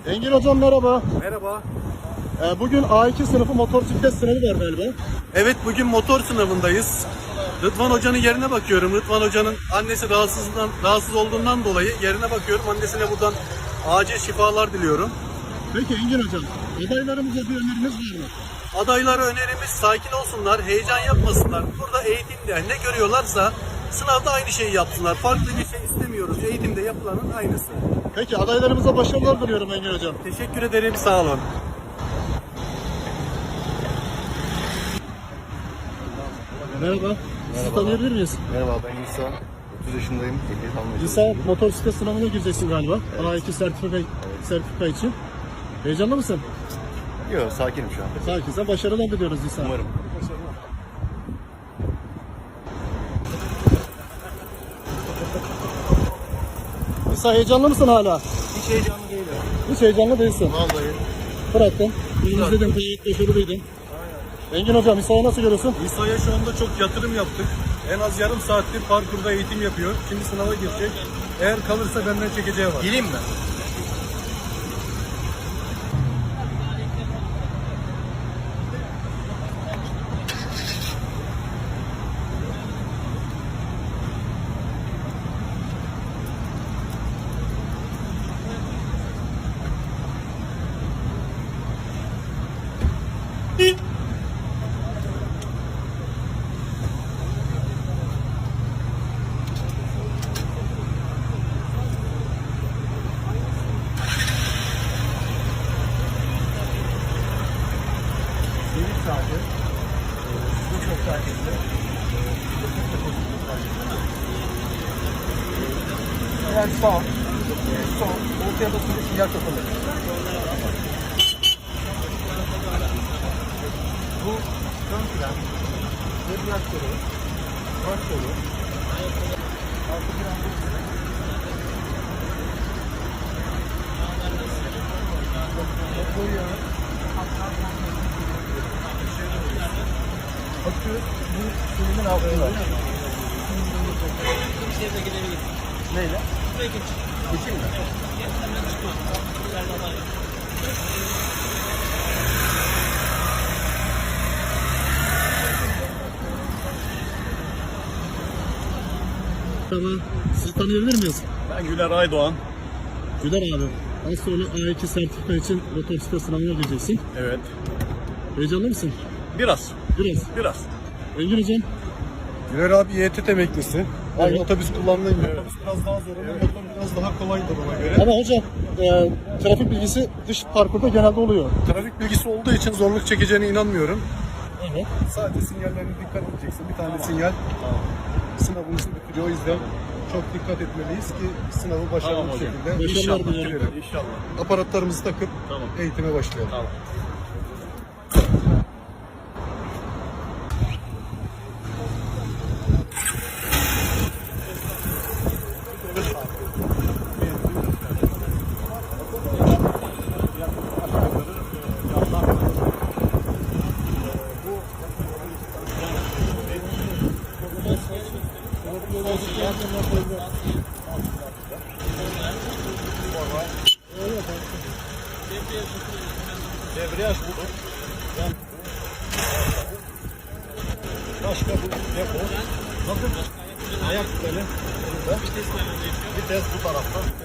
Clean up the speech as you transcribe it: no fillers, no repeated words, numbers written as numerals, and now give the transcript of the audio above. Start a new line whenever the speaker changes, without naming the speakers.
Engin hocam merhaba.
Merhaba.
Bugün A2 sınıfı motosiklet sınavı var galiba.
Evet, bugün motor sınavındayız. Rıdvan Hoca'nın yerine bakıyorum. Rıdvan Hoca'nın annesi rahatsız olduğundan dolayı yerine bakıyorum. Annesine buradan acil şifalar diliyorum.
Peki Engin hocam, adaylarımıza bir öneriniz var mı?
Adaylara önerimiz sakin olsunlar, heyecan yapmasınlar. Burada eğitimde ne görüyorlarsa sınavda aynı şeyi yapsınlar. Farklı bir şey istemiyoruz. Eğitimde yapılanın aynısı.
Peki adaylarımıza başarılar diliyorum Engin hocam.
Teşekkür ederim, sağ olun.
Merhaba. Sizi tanıyabilir miyiz?
Merhaba, ben İsa. 30 yaşındayım. Ehliyet almaya
İsa,
çalışıyorum.
motosiklet sınavına gireceksin galiba.
Evet.
A2 sertifika için. Heyecanlı mısın?
Yok, sakinim şu an.
Sakinsen başarılar diliyoruz İsa.
Umarım.
İsa heyecanlı mısın hala?
Hiç heyecanlı değilim.
Hiç heyecanlı değilsin.
Vallahi.
Bıraktın. İzledim, gayet başarılıydın. Engin hocam İsa'yı nasıl görüyorsun?
İsa'ya şu anda çok yatırım yaptık. En az yarım saattir parkurda eğitim yapıyor. Şimdi sınava girecek. Eğer kalırsa benden çekeceği var.
Geleyim mi?
Çevik saati. Bu çok saatinde.
Yani sağ. Sol. Ortaya basınca sinyal kapalı. Bu ön plan. Debriyajları. Baş kolu. Arka plan bu. Motor yağı. Akü bu sürümün altında. Neyle? Geçeyim mi?
Tamam. Sizi tanıyabilir miyiz?
Ben Güler Aydoğan.
Güler abi. Az sonra A2 sertifika için motosiklet sınavına gireceksin.
Evet.
Heyecanlı mısın?
Biraz.
Biraz. Engin hocam.
Güler abi YTT emeklisi. Ben
Evet.
otobüs kullandım. Otobüs biraz daha zor ama motor biraz daha kolaydır ona göre.
Ama hocam trafik bilgisi dış parkurda genelde oluyor.
Trafik bilgisi olduğu için zorluk çekeceğine inanmıyorum.
Evet.
Sadece sinyallerine dikkat edeceksin. Bir tane sinyal sınavımızı bitiriyor. O yüzden çok dikkat etmeliyiz ki sınavı başarılı bir şekilde
Başarılar diliyorum.
bitirelim.
İnşallah.
Aparatlarımızı takıp eğitime başlayalım.
Tamam.
Debriyaj bu. Başka bu depo. Bakın ayak teli burada. Vites bu tarafta.